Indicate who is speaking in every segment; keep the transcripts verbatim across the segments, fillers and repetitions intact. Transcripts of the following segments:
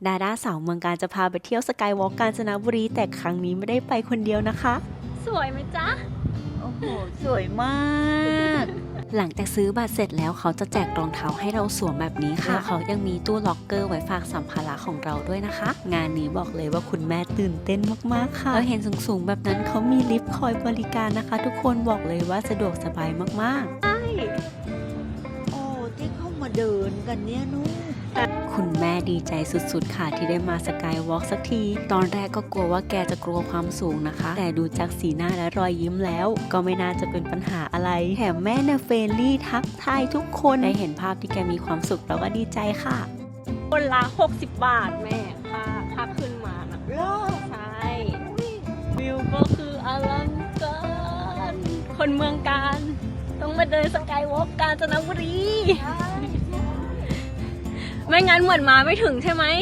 Speaker 1: ดาด้าสาวเมืองการจะพาไปเที่ยวสกายวอล์กกาญจนบุรีแต่ครั้งนี้ไม่ได้ไปคนเดียวนะคะ
Speaker 2: สวยไหมจ๊ะ
Speaker 3: โอ้โหสวยมาก
Speaker 1: หลังจากซื้อบัตรเสร็จแล้วเขาจะแจกรองเท้าให้เราสวมแบบนี้ค่ะแล้วเขายังมีตู้ล็อกเกอร์ไว้ฝากสัมภาระของเราด้วยนะคะงานนี้บอกเลยว่าคุณแม่ตื่นเต้นมากๆค่ะแล้วเห็นสูงๆแบบนั้นเขามีลิฟต์คอยบริการนะคะทุกคนบอกเลยว่าสะดวกสบายมากๆ
Speaker 2: ใช่
Speaker 3: โอ้ที่เข้ามาเดินกันเนี่ยนู้
Speaker 1: คุณแม่ดีใจสุดๆค่ะที่ได้มาสกายวอล์กสักทีตอนแรกก็กลัวว่าแกจะกลัวความสูงนะคะแต่ดูจากสีหน้าและรอยยิ้มแล้วก็ไม่น่าจะเป็นปัญหาอะไรแถมแม่เนี่ยเฟรนลี่ทักทายทุกคนได้เห็นภาพที่แกมีความสุขเราก็ดีใจค่ะ
Speaker 2: คนละหกสิบบาทแม่ค่าค่าขึ้นมานะ
Speaker 3: รอ
Speaker 2: ใช่วิวก็คืออลังการคนเมืองการต้องมาเดินสกายวอล์กกาญจนบุรีไม่งั้นเหมือนมาไม่ถึงใช่ไหม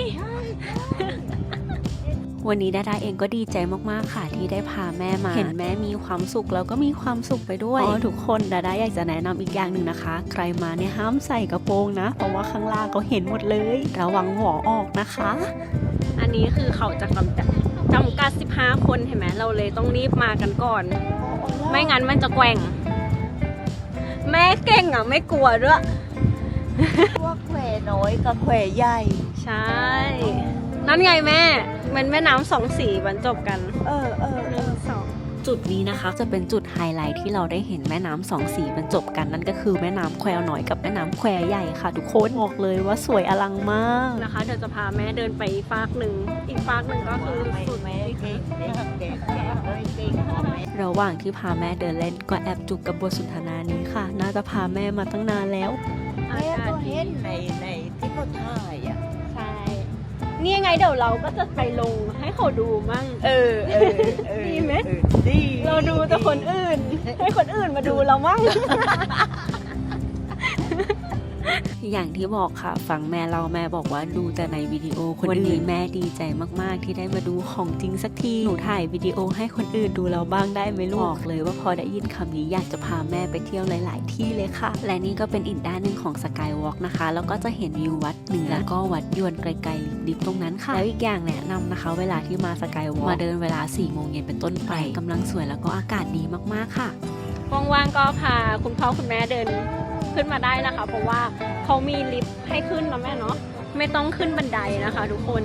Speaker 1: วันนี้ดาดาเองก็ดีใจมากๆค่ะที่ได้พาแม่มาเห็นแม่มีความสุขแล้วก็มีความสุขไปด้วยอ๋อทุกคนดาดาอยากจะแนะนำอีกอย่างหนึ่งนะคะใครมาเนี่ยห้ามใส่กระโปรงนะเพราะว่าข้างล่างเขาเห็นหมดเลยระวังหัวออกนะคะ
Speaker 2: อันนี้คือเขาจะจำกัดจำกัดสิบห้าคนเห็นไหมเราเลยต้องรีบมากันก่อนไม่งั้นมันจะแกว่งแม่เก่งอ่ะไม่กลัวด้วย
Speaker 3: พวกแควน้อยกับแควใหญ่
Speaker 2: ใช่นั่นไงแม่มันแม่น้ำสองสีบรรจบกัน
Speaker 3: เออเออ
Speaker 2: หนึ่งสอง
Speaker 1: จุดนี้นะคะจะเป็นจุดไฮไลท์ที่เราได้เห็นแม่น้ำสองสีบรรจบกันนั่นก็คือแม่น้ำแควน้อยกับแม่น้ำแควใหญ่ค่ะทุกคนบอกเลยว่าสวยอลังมาก
Speaker 2: นะคะเดี๋ยวจะพาแม่เดินไปฟากหนึ่งอีกฟากหนึ่งก็คือสุด
Speaker 3: แม่เก่งเก่งเก่งเก่ง
Speaker 1: ระหว่างที่พาแม่เดินเล่นก็แอบจุกกับบทสนทนานี้ค่ะน่าจะพาแม่มาตั้งนานแล้ว
Speaker 3: แม่ก็เห็นในในที่เขาถ่ายอ่ะ
Speaker 2: ใช่นี่ยังไงเดี๋ยวเราก็จะไปลงให้เขาดูมั่ง
Speaker 3: เออเออ
Speaker 2: ดีไหม
Speaker 3: ดี
Speaker 2: เราดูแต่คนอื่นให้คนอื่นมาดูเรามั่ง
Speaker 1: อย่างที่บอกค่ะฟังแม่เราแม่บอกว่าดูแต่ในวิดีโอคนอื่นแม่ดีใจมากๆที่ได้มาดูของจริงสักทีหนูถ่ายวิดีโอให้คนอื่นดูเราบ้างได้ไหมลูกบอกเลยว่าพอได้ยินคำนี้อยากจะพาแม่ไปเที่ยวหลายๆที่เลยค่ะและนี่ก็เป็นอีกด้านหนึ่งของสกายวอล์กนะคะแล้วก็จะเห็นวิววัดเหนือแล้วก็วัดยวนไกลๆลิบๆตรงนั้นค่ะแล้วอีกอย่างแนะนำนะคะเวลาที่มาสกายวอล์กมาเดินเวลาสี่โมงเย็นเป็นต้นไปกำลังสวยแล้วก็อากาศดีมากๆค่ะ
Speaker 2: ว่างๆก็พาคุณพ่อคุณแม่เดินขึ้นมาได้นะคะเพราะว่าเขามีลิฟต์ให้ขึ้นนะแม่เนาะไม่ต้องขึ้นบันไดนะคะทุกคน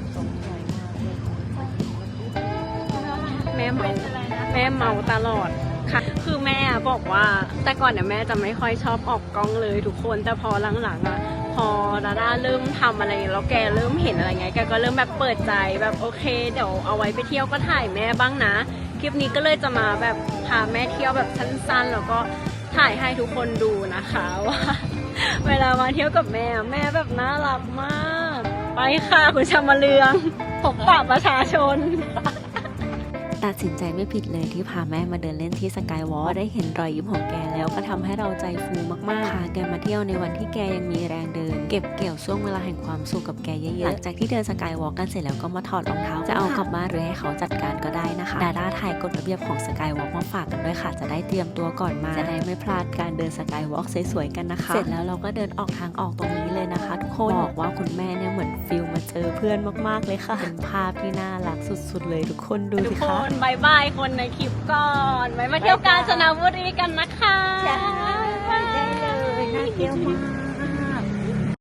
Speaker 2: แม่เมาแม่เมาตลอดค่ะคือแม่บอกว่าแต่ก่อนเนี่ยแม่จะไม่ค่อยชอบออกกล้องเลยทุกคนแต่พอหลังๆอ่ะพอดาด้าเริ่มทำอะไรแล้วแกเริ่มเห็นอะไรไงแกก็เริ่มแบบเปิดใจแบบโอเคเดี๋ยวเอาไว้ไปเที่ยวก็ถ่ายแม่บ้างนะคลิปนี้ก็เลยจะมาแบบพาแม่เที่ยวแบบสั้นๆแล้วก็ถ่ายให้ทุกคนดูนะคะว่าเวลามาเที่ยวกับแม่แม่แบบน่ารักมากไปค่ะคุณชามาเลืองพบปะประชาชน
Speaker 1: ตัดสินใจไม่ผิดเลยที่พาแม่มาเดินเล่นที่สกายวอล์กได้เห็นรอยยิ้มของแกแล้วก็ทำให้เราใจฟูมากๆพาแกมาเที่ยวในวันที่แกยังมีแรงเดินเก็บเกี่ยวช่วงเวลาแห่งความสุขกับแกเยอะๆหลังจากที่เดินสกายวอล์กกันเสร็จแล้วก็มาถอดรองเท้าจะเอากลับบ้านหรือให้เขาจัดการก็ได้นะคะดาด้าถ่ายกฎระเบียบของสกายวอล์กมาฝากกันด้วยค่ะจะได้เตรียมตัวก่อนมาจะได้ไม่พลาดการเดินสกายวอล์กสวยๆกันนะคะเสร็จแล้วเราก็เดินออกทางออกตรงนี้เลยนะคะทุกคนบอกว่าคุณแม่เนี่ยเหมือนฟิลมาเจอเพื่อนมากๆเลยค่ะเป็นภาพที่น่ารักสุดๆเลยทุกคนดูสิคะ
Speaker 2: บายบายคนในคลิปก่อนไว้มาเที่ยวกาญจนบุรีกันนะคะ
Speaker 3: ใช่ได้เลยน่าเที่ยวมาก